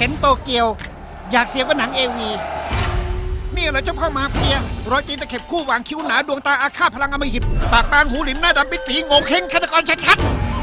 นโตเกียวอยากเสียกว่าหนังAVนี่เหรอเจ้าพ่อมาเฟียรอยจีนตะเข็บคู่หวางคิ้วหนาดวงตาอาฆาตพลังอำมหิตปากบางหูหลิมหน้าดำปิดปีงงเข่งฆาตกรชัด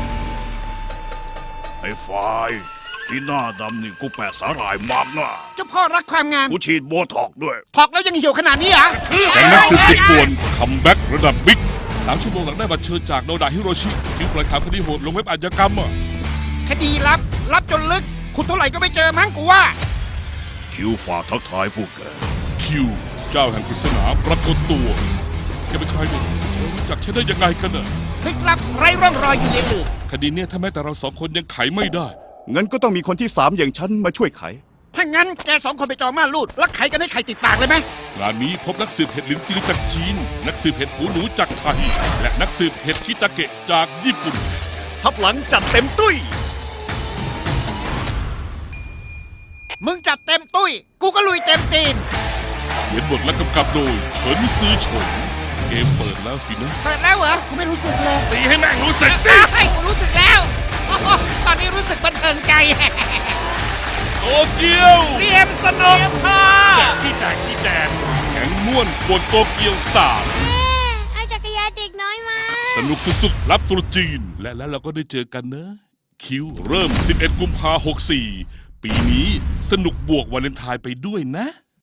ไอ้ฝ่ายที่หน้าดำนี่กูแปะสาหร่ายมากนะๆเจ้าพ่อรักความงามกูฉีดโบท็อกด้วยถอกแล้วยังเหี่ยวขนาดนี้เหรอแต่นักสืบติดป่วนคัมแบ็กระดับบิ๊ก3 ชั่วโมงหลังได้บัตรเชิญจากโนดาฮิโรชิที่ปล่อยข่าวคดีโหดลงเว็บอาชญากรรมอ่ะคดีลับจนลึกคุณเท่าไหร่ก็ไม่เจอมั้งกูว่าคิวฝากทักทายผู้แกคิวเจ้าแห่งปริศนาปรากฏตัวแกเป็นใครเนี่ยรู้จักฉันได้ยังไงกันน่ะลึกลับไร้ร่องรอยอยู่ในอื่นคดีเนี้ยถ้าแม้แต่เรา2 คนยังไขไม่ได้งั้นก็ต้องมีคนที่3อย่างฉันมาช่วยไขถ้างั้นแก2 คนไปจองม่านรูดแล้วไขกันให้ไข่ติดปากเลยไหมงานนี้พบนักสืบเห็ดหลินจือจากจีน นักสืบเห็ดหูหนูจากไทย และนักสืบเห็ดชิตาเกะจากญี่ปุ่นทับหลังจัดเต็มตุ้ยมึงจัดเต็มตุ้ยกูก็ลุยเต็มตีนเขียนบทและกำกับโดยเฉินซือเฉินเกมเปิดแล้วสินะเปิดแล้วเหรอกูไม่รู้สึกเลยตีให้แม่งรู้สึกดิไอ้กูรู้สึกแล้วโอ้โหตอนนี้รู้สึกบันเทิงใจโตเกียวเตรียมสนุกค่ะที่แตกแข็งม่วนปวดโตเกียว3 เอาจักรยานเด็กน้อยมาสนุกสุดๆรับตรุษจีน และแล้วเราก็ได้เจอกันนะ คิวเริ่ม 11 กุมภาพันธ์ 64 ปีนี้สนุกบวกวาเลนไทน์ไปด้วยนะ